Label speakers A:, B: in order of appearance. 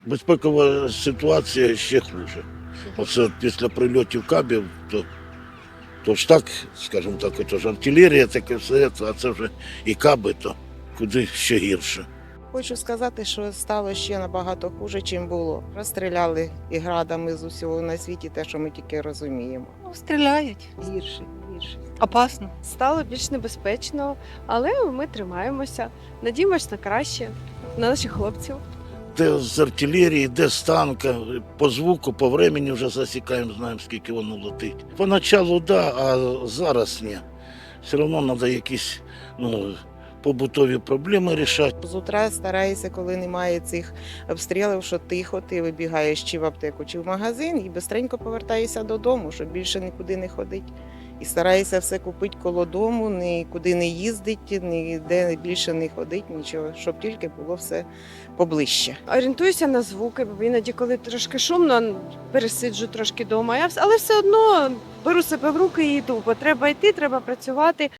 A: Безпекова ситуація ще хуже. Оце після прильотів кабів, то ж так, скажімо так, це ж артилерія, таке все, а це вже і каби, то куди ще гірше.
B: Хочу сказати, що стало ще набагато хуже, чим було. Розстріляли і градами з усього на світі те, що ми тільки розуміємо.
C: Ну, стріляють.
D: Гірше.
C: Опасно.
D: Стало більш небезпечно, але ми тримаємося. Надіємось на краще, на наших хлопців.
A: Де з артилерії, де з танка, по звуку, по времени вже засікаємо, знаємо, скільки воно летить. Поначалу да, а зараз ні. Все одно треба якісь побутові проблеми рішати.
B: З утра стараюся, коли немає цих обстрілів, що тихо, ти вибігаєш чи в аптеку, чи в магазин і бистренько повертаєшся додому, щоб більше нікуди не ходити. І стараюся все купити коло дому, нікуди не їздити, ніде більше не ходити, нічого, щоб тільки було все поближче.
D: Орієнтуюся на звуки, бо іноді, коли трошки шумно, пересиджу трошки вдома. Але все одно беру себе в руки і йду, бо треба йти, треба працювати.